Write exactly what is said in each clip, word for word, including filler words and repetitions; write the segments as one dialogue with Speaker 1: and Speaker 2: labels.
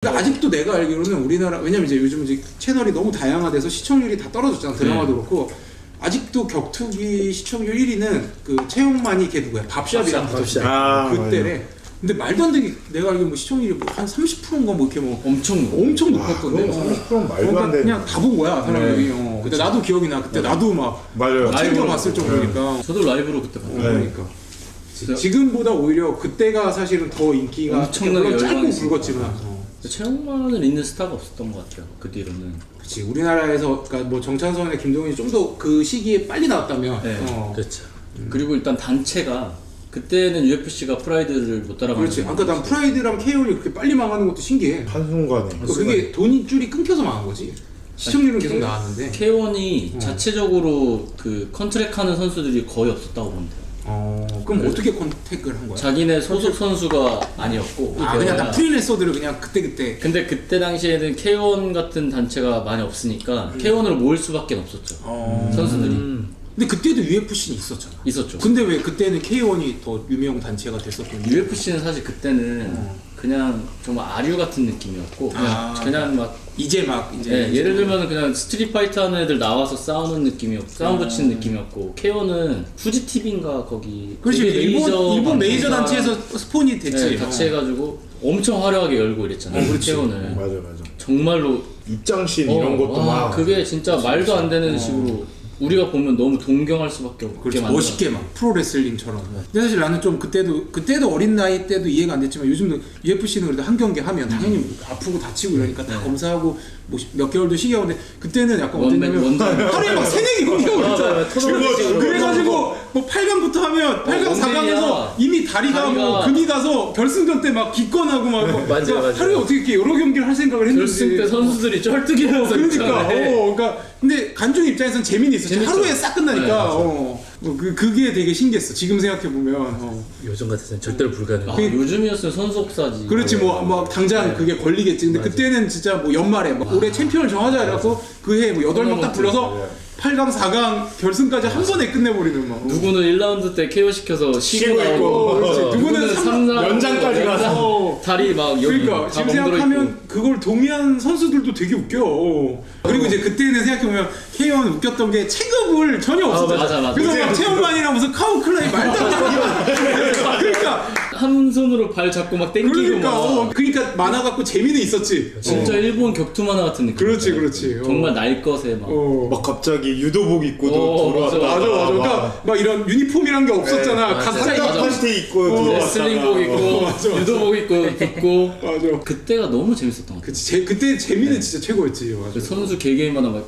Speaker 1: 그러니까 아직도 내가 알기로는 우리나라, 왜냐면 이제 요즘 이제 채널이 너무 다양화돼서 시청률이 다 떨어졌잖아. 드라마도
Speaker 2: 네.
Speaker 1: 그렇고. 아직도 격투기 시청률 일 위는 그 최용만이 걔 누구야? 밥샵이랑
Speaker 3: 밥샵.
Speaker 1: 아,
Speaker 3: 아,
Speaker 1: 그때래. 근데 말도 안 되게 내가 알기로 뭐 시청률이 뭐 한 삼십 퍼센트인가 뭐 이렇게 뭐
Speaker 2: 엄청
Speaker 1: 엄청 높았던데.
Speaker 3: 그럼 삼십 퍼센트는 말도
Speaker 1: 그러니까
Speaker 3: 안 돼.
Speaker 1: 그냥 다 본 거야 사람들이.
Speaker 2: 네.
Speaker 1: 어. 근데 나도 기억이 나. 그때 나도 막
Speaker 3: 맞아요.
Speaker 1: 챙겨
Speaker 2: 라이브로.
Speaker 1: 봤을 정도니까.
Speaker 2: 저도 라이브로 그때
Speaker 1: 어,
Speaker 2: 봤어요.
Speaker 1: 그러니까. 지- 지금보다 오히려 그때가 사실은 더 인기가
Speaker 2: 엄청나게
Speaker 1: 물론 짧고
Speaker 2: 열광했으니까.
Speaker 1: 굵었지만. 어.
Speaker 2: 최홍만을 잇는 스타가 없었던 것 같아요. 그 뒤로는.
Speaker 1: 그렇지. 우리나라에서 그러니까 뭐 정찬성이나 김동현이 좀 더 그 시기에 빨리 나왔다면.
Speaker 2: 네.
Speaker 1: 어.
Speaker 3: 그렇죠.
Speaker 2: 그리고 일단 단체가 그때는 유에프씨가 프라이드를 못 따라가는.
Speaker 1: 그렇지. 아까 난 프라이드랑 케이온이 그렇게 빨리 망하는 것도 신기해.
Speaker 3: 한순간에.
Speaker 1: 그러니까 그게 돈이 줄이 끊겨서 망한 거지. 시청률은 계속
Speaker 2: K-
Speaker 1: 나왔는데.
Speaker 2: 케이원이
Speaker 1: 어.
Speaker 2: 자체적으로 그 컨트랙하는 선수들이 거의 없었다고 보면 돼요.
Speaker 1: 어, 그럼 어떻게 컨택을 한 거야?
Speaker 2: 자기네 소속 선수가 아니었고.
Speaker 1: 아, 그냥 다 프리랜서들을 그냥 그때그때.
Speaker 2: 근데 그때 당시에는 케이원 같은 단체가 많이 없으니까 케이원으로 모일 수밖에 없었죠.
Speaker 1: 어.
Speaker 2: 선수들이
Speaker 1: 근데 그때도 유에프씨는 있었잖아.
Speaker 2: 있었죠.
Speaker 1: 근데 왜 그때는 케이원이 더 유명 단체가 됐었던 거야?
Speaker 2: 유에프씨는 사실 그때는 그냥 정말 아류 같은 느낌이었고 그냥,
Speaker 1: 아.
Speaker 2: 그냥 막
Speaker 1: 이제 막 이제
Speaker 2: 네, 예를 들면 그냥 스트릿 파이터 하는 애들 나와서 싸우는 느낌이었고 싸움 붙이는 느낌이었고 케이원은 후지티비인가 거기
Speaker 1: 그렇지.
Speaker 2: 되게
Speaker 1: 일본 일본 메이저
Speaker 2: 방송사-
Speaker 1: 단체에서 스폰이 됐지.
Speaker 2: 네, 같이 해가지고 엄청 화려하게 열고 이랬잖아요.
Speaker 1: 어, 그렇지.
Speaker 2: 케이원을
Speaker 3: 맞아 맞아.
Speaker 2: 정말로
Speaker 3: 입장씬
Speaker 2: 어,
Speaker 3: 이런 것도
Speaker 2: 와,
Speaker 3: 막.
Speaker 2: 그게 진짜 말도 안 되는 식으로 우리가 보면 너무 동경할 수밖에 없게
Speaker 1: 그렇지.
Speaker 2: 만들어.
Speaker 1: 멋있게 막 프로레슬링처럼. 근데 사실 나는 좀 그때도 그때도 어린 나이 때도 이해가 안 됐지만 요즘도 유에프씨는 그래도 한 경기 하면 당연히 아프고 다치고 이러니까 다
Speaker 2: 네.
Speaker 1: 검사하고 뭐 몇 개월도 쉬게 그때는 약간
Speaker 2: 원맨,
Speaker 1: 어땠냐면
Speaker 2: 원맨.
Speaker 1: 하루에 막 세네 개 경기하고 그랬잖아.
Speaker 3: 토너먼트식으로.
Speaker 1: 그래가지고 뭐 팔 강부터 하면 팔 강
Speaker 2: 어,
Speaker 1: 사 강에서
Speaker 2: 원맨이야.
Speaker 1: 이미 다리가,
Speaker 2: 다리가-
Speaker 1: 뭐 금이 가서 결승전 때 막 기권하고 막
Speaker 3: 맞아요,
Speaker 1: 그러니까
Speaker 3: 맞아요.
Speaker 1: 하루에 어떻게 이렇게 여러 경기를 할 생각을 했는지.
Speaker 2: 결승 때 선수들이 쩔뚝이면서
Speaker 1: 그러니까,
Speaker 2: 있잖아요.
Speaker 1: 어, 그러니까 근데 관중 입장에서는 재미는 있었지.
Speaker 2: 재밌죠.
Speaker 1: 하루에 싹 끝나니까.
Speaker 2: 네, 맞아.
Speaker 1: 어, 뭐 그 그게 되게 신기했어. 지금 생각해 보면. 어.
Speaker 3: 요즘 같아서는 절대로 불가능.
Speaker 2: 아,
Speaker 1: 그-
Speaker 2: 요즘이었으면 선수옥사지.
Speaker 1: 그렇지 뭐, 뭐 당장
Speaker 2: 네.
Speaker 1: 그게 걸리겠지. 근데 그때는 진짜 뭐 연말에 뭐 올해 챔피언을 정하자 이래갖고 그 해 뭐 여덟 명 딱 불러서 팔 강 사 강 결승까지 한 번에 끝내버리는 막.
Speaker 2: 누구는 일 라운드 때 케이오 시켜서 쉬고
Speaker 3: 쉬고 있고.
Speaker 2: 나오고
Speaker 1: 그렇지. 누구는 삼-
Speaker 3: 연장까지 가서.
Speaker 2: 다리 막 여기
Speaker 1: 그러니까
Speaker 2: 다
Speaker 1: 지금
Speaker 2: 멍들어
Speaker 1: 생각하면
Speaker 2: 있고.
Speaker 1: 그걸 동의한 선수들도 되게 웃겨. 어. 그리고 이제 그때는 생각해보면 케이오는 웃겼던 게 체급을 전혀 없었잖아.
Speaker 2: 맞아, 맞아.
Speaker 1: 그래서 막 체험만이랑 무슨 카우 클라이 말도 안 되는 거. 그러니까
Speaker 2: 한 손으로 발 잡고 막 땡기고
Speaker 1: 그러니까
Speaker 2: 막
Speaker 1: 어, 그러니까 만화 갖고 재미는 있었지.
Speaker 2: 진짜
Speaker 1: 어.
Speaker 2: 일본 격투 만화 같은 느낌.
Speaker 1: 그렇지, 그렇지. 어.
Speaker 2: 정말 날 것에 막.
Speaker 1: 어.
Speaker 3: 막 갑자기 유도복 입고도
Speaker 2: 어,
Speaker 3: 들어왔다.
Speaker 2: 맞아,
Speaker 1: 맞아 맞아. 그러니까 막 이런 유니폼이란 게 없었잖아.
Speaker 2: 네,
Speaker 1: 가짜
Speaker 2: 맞아.
Speaker 1: 입고.
Speaker 2: 맞아.
Speaker 3: 파스테 입고
Speaker 1: 어,
Speaker 3: 들어왔다가.
Speaker 2: 레슬링복 입고
Speaker 1: 맞아, 맞아.
Speaker 2: 유도복 입고 붙고
Speaker 1: 맞아.
Speaker 2: 그때가 너무 재밌었던 것 같아요.
Speaker 1: 그치. 제, 그때 재미는 진짜 최고였지. 맞아.
Speaker 2: 그 선수 개개인마다 막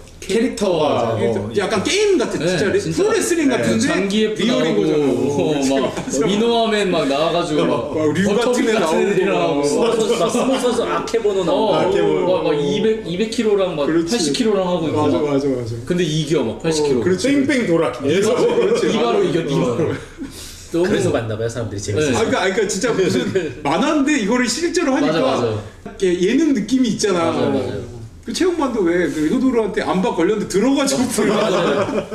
Speaker 3: 캐릭터가
Speaker 2: 캐릭터와
Speaker 3: 어,
Speaker 1: 약간 게임 같은
Speaker 2: 네,
Speaker 1: 진짜, 레-
Speaker 2: 진짜.
Speaker 1: 프로레슬링
Speaker 3: 네,
Speaker 1: 같은데
Speaker 2: 장기예프
Speaker 1: 리얼인 거잖아.
Speaker 2: 나오고
Speaker 1: 어,
Speaker 2: 막
Speaker 1: 맞아.
Speaker 2: 미노아맨 막 나와가지고 막
Speaker 1: 막 류 같은
Speaker 2: 버터기
Speaker 1: 애
Speaker 2: 같은 애들이랑
Speaker 1: 나오고.
Speaker 2: 하고
Speaker 1: 어.
Speaker 4: 선수 막 스모 선수 아케보노 나오고
Speaker 2: 어,
Speaker 3: 아케보노.
Speaker 2: 막, 막 이백, 이백 킬로그램랑 막
Speaker 1: 그렇지.
Speaker 2: 팔십 킬로그램 하고 있고
Speaker 1: 맞아
Speaker 2: 막.
Speaker 1: 맞아 맞아.
Speaker 2: 근데 이겨 막 팔십 킬로그램.
Speaker 1: 어, 그렇지.
Speaker 3: 뺑뺑 돌아. 계속.
Speaker 1: 그렇지.
Speaker 2: 이바로 이겨 이바로. 너무
Speaker 4: 그래서 만나봐요 사람들이 재밌어요.
Speaker 2: 네.
Speaker 1: 아, 그러니까, 그러니까 진짜 무슨 만화인데 이거를 실제로 하니까
Speaker 2: 맞아, 맞아.
Speaker 1: 이렇게 예능 느낌이 있잖아.
Speaker 2: 맞아요, 맞아요.
Speaker 1: 그 체육만도 왜그 효도르한테 안박 걸렸는데 들어가지고
Speaker 2: 맞아요.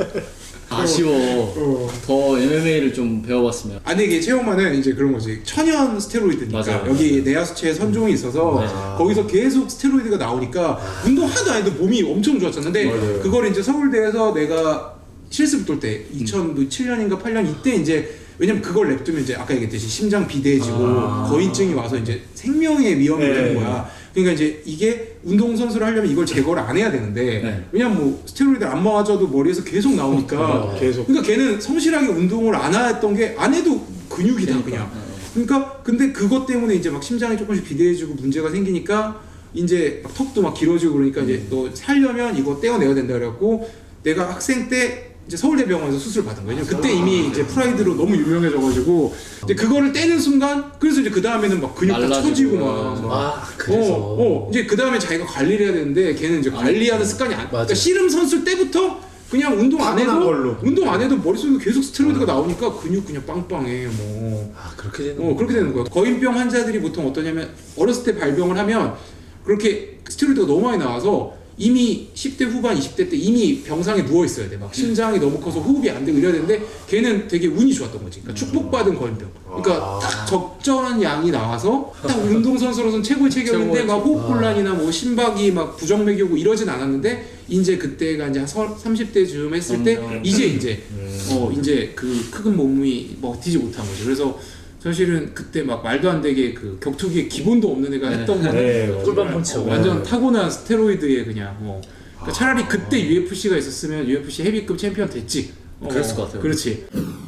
Speaker 2: 아쉬워.
Speaker 1: 어.
Speaker 2: 더 엠엠에이를 좀 배워봤으면.
Speaker 1: 아니 이게 체육만은 이제 그런 거지. 천연 스테로이드니까
Speaker 2: 맞아요,
Speaker 1: 여기
Speaker 2: 맞아요.
Speaker 1: 내하수체에 선종이 있어서
Speaker 2: 맞아요.
Speaker 1: 거기서 계속 스테로이드가 나오니까 운동 하나도 안 해도 몸이 엄청 좋았었는데
Speaker 3: 맞아요.
Speaker 1: 그걸 이제 서울대에서 내가 실습 돌 때 이천칠 년인가 팔 년 이때 이제 왜냐면 그걸 냅두면 이제 아까 얘기했듯이 심장 비대해지고
Speaker 2: 아.
Speaker 1: 거인증이 와서 이제 생명의 위험이
Speaker 3: 네.
Speaker 1: 되는 거야. 그러니까 이제 이게 운동선수를 하려면 이걸 제거를 안 해야 되는데
Speaker 2: 네.
Speaker 1: 왜냐면 뭐 스테로이드 안 맞아도 머리에서 계속 나오니까
Speaker 3: 계속.
Speaker 1: 그러니까 걔는 성실하게 운동을 안 했던 게 안 해도 근육이다 그냥. 그러니까 근데 그것 때문에 이제 막 심장이 조금씩 비대해지고 문제가 생기니까 이제 막 턱도 막 길어지고 그러니까 이제 너 살려면 이거 떼어내야 된다 그래갖고 내가 학생 때 이제 서울대병원에서 수술 받은 거예요. 왜냐면 그때 이미 이제 프라이드로 너무 유명해져가지고 이제 그거를 떼는 순간 그래서 이제 그 다음에는 막 근육 다
Speaker 2: 말라지고.
Speaker 1: 처지고 막. 막
Speaker 4: 아 그래서
Speaker 1: 어, 어, 이제 그 다음에 자기가 관리를 해야 되는데 걔는 이제 관리하는 습관이 안. 그러니까
Speaker 4: 맞아.
Speaker 1: 씨름 선수 때부터 그냥 운동 안 해도
Speaker 3: 타고난 걸로.
Speaker 1: 운동 안 해도 머릿속에 계속 스테로이드가 나오니까 근육 그냥 빵빵해 뭐.
Speaker 4: 아 그렇게 되는
Speaker 1: 어 그렇게 되는 거야. 거인병 환자들이 보통 어떠냐면 어렸을 때 발병을 하면 그렇게 스테로이드가 너무 많이 나와서 이미 십 대 후반 이십 대 때 이미 병상에 누워 있어야 돼. 막 심장이 너무 커서 호흡이 안 되고 이래야 되는데 걔는 되게 운이 좋았던 거지. 그러니까 축복받은 걸병. 그러니까 딱 적절한 양이 나와서 딱 운동선수로서는 최고의 체격인데 막 호흡곤란이나 뭐 심박이 막 부정맥이 오고 이러진 않았는데 이제 그때가 이제 한 삼십 대쯤 했을 때 이제 이제 어 이제 그 큰 몸이 버티지 못한 거죠. 그래서 사실은 그때 막 말도 안 되게 그 격투기에 기본도 없는 애가 했던 거는
Speaker 3: 네, 맞아요.
Speaker 4: 꿀밤 펀치.
Speaker 1: 완전 타고난 스테로이드에 그냥 뭐 그러니까 차라리 그때 유에프씨가 있었으면 유에프씨 헤비급 챔피언 됐지. 어,
Speaker 2: 그랬을 것 같아요.
Speaker 1: 그렇지.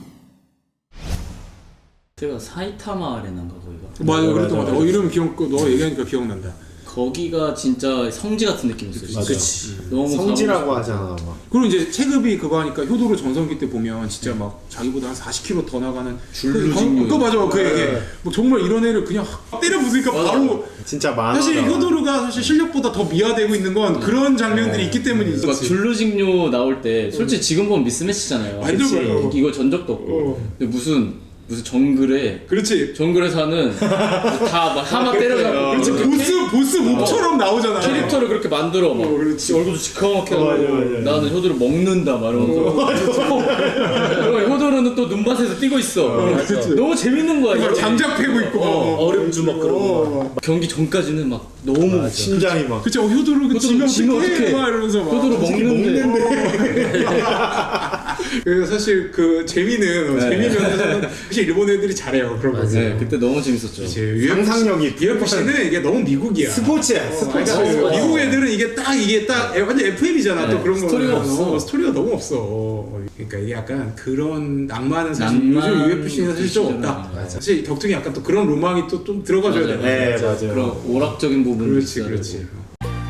Speaker 2: 제가 사이타마 아레나인가 거기가.
Speaker 1: 맞아,
Speaker 3: 맞아,
Speaker 1: 그랬던 것 같아.
Speaker 3: 맞아.
Speaker 1: 어 이름 기억, 너 얘기하니까 기억난다.
Speaker 2: 거기가 진짜 성지 같은 느낌이었어요. 진짜.
Speaker 3: 그치.
Speaker 2: 너무
Speaker 3: 성지라고
Speaker 2: 가보고
Speaker 3: 하잖아 막.
Speaker 1: 그리고 이제 체급이 그거 하니까 효도로 전성기 때 보면 진짜 막 자기보다 한 사십 킬로그램 더 나가는
Speaker 2: 줄루직류.
Speaker 1: 그거 맞아, 그 얘기.
Speaker 3: 네.
Speaker 1: 뭐 정말 이런 애를 그냥 확 때려 부수니까 바로.
Speaker 3: 진짜 많아.
Speaker 1: 사실 효도루가 사실 실력보다 더 미화되고 있는 건 그런 장면들이 있기 때문에
Speaker 2: 막
Speaker 1: 있었지.
Speaker 2: 줄루직류 나올 때 솔직히 지금 보면 미스매치잖아요.
Speaker 1: 완전
Speaker 2: 그치?
Speaker 1: 그래요.
Speaker 2: 이거 전적도 없고.
Speaker 1: 어.
Speaker 2: 근데 무슨 무슨 정글에
Speaker 1: 그렇지.
Speaker 2: 정글에 사는 다 막 하마 때려잡고
Speaker 1: 그렇지.
Speaker 2: 그렇게
Speaker 1: 보스 보스 몹처럼 나오잖아.
Speaker 2: 캐릭터를 그렇게 만들어 막
Speaker 1: 어, 그렇지.
Speaker 2: 얼굴도 시커멓게 하고
Speaker 3: 맞아, 맞아.
Speaker 2: 나는 효도를 먹는다 막 이러면서 그리고 효도는 또 눈밭에서 뛰고 있어.
Speaker 1: 그렇지.
Speaker 2: 너무 재밌는 거야.
Speaker 1: 막
Speaker 2: 이거.
Speaker 1: 장작 패고 있고. 어,
Speaker 4: 얼음 주먹 그런 거.
Speaker 2: 경기 전까지는 막 너무
Speaker 3: 심장이 막.
Speaker 1: 그치. 어, 효도루 그 지면
Speaker 2: 지면
Speaker 1: 어떡해
Speaker 2: 어떡해.
Speaker 1: 막 이러면서 막.
Speaker 2: 효도를 먹는데
Speaker 1: 그래서 사실 그 재미는
Speaker 2: 네.
Speaker 1: 재미 면에서는 사실 일본 애들이 잘해요 그런 거.
Speaker 2: 네, 그때 너무 재밌었죠.
Speaker 3: 상상력이
Speaker 1: 유에프씨는 이게 너무 미국이야.
Speaker 3: 스포츠야. 스포츠.
Speaker 1: 그러니까
Speaker 4: 어,
Speaker 1: 미국 애들은 이게 딱 이게 딱 완전 에프엠이잖아.
Speaker 2: 네,
Speaker 1: 또 그런 거
Speaker 2: 스토리가 없어.
Speaker 1: 스토리가 너무 없어. 그러니까 이게 약간 그런 낭만은 사실
Speaker 2: 낭만
Speaker 1: 요즘 유에프씨는 사실 좀 없다.
Speaker 2: 시절은 맞아.
Speaker 1: 사실 격투기 약간 또 그런 로망이 또 좀 들어가줘야
Speaker 2: 맞아요.
Speaker 1: 돼.
Speaker 3: 네 맞아요.
Speaker 2: 그런 오락적인 부분도
Speaker 1: 그렇지
Speaker 2: 있어야
Speaker 1: 그렇지.
Speaker 2: 되고.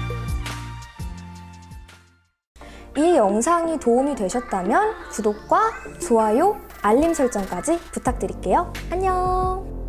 Speaker 5: 이 영상이 도움이 되셨다면 구독과 좋아요, 알림 설정까지 부탁드릴게요. 안녕!